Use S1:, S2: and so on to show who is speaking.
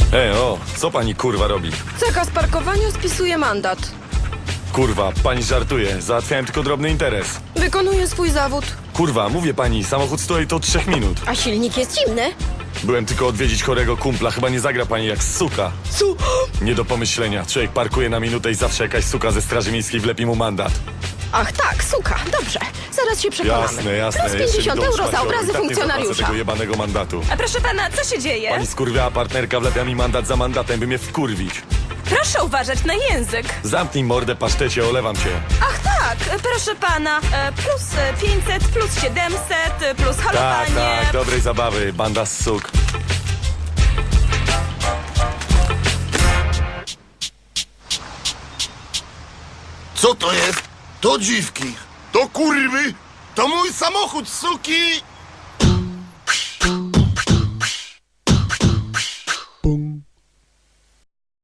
S1: Co pani kurwa robi?
S2: Zakaz parkowania spisuje mandat.
S1: Kurwa, pani żartuje. Załatwiałem tylko drobny interes.
S2: Wykonuje swój zawód.
S1: Kurwa, mówię pani, samochód stoi to od 3 minut.
S2: A silnik jest zimny.
S1: Byłem tylko odwiedzić chorego kumpla. Chyba nie zagra pani jak suka. Nie do pomyślenia. Człowiek parkuje na minutę i zawsze jakaś suka ze straży miejskiej wlepi mu mandat.
S2: Ach tak, suka, dobrze. Zaraz się przekonamy.
S1: Jasne.
S2: Plus
S1: Jeszcze
S2: 50
S1: mi dołóż
S2: euro za
S1: pan
S2: obrazy
S1: środek, tak nie zapłacę
S2: funkcjonariusza.
S1: tego jebanego mandatu.
S3: A proszę pana, co się dzieje?
S1: Pani skurwiała partnerka, wlepia mi mandat za mandatem, by mnie wkurwić.
S3: Proszę uważać na język.
S1: Zamknij mordę, pasztecie, olewam cię.
S3: Ach tak, proszę pana, plus 500, plus 700, plus halowanie.
S1: Tak, dobrej zabawy, banda z suk.
S4: Co to jest? To dziwki. To kurwy. To mój samochód, suki.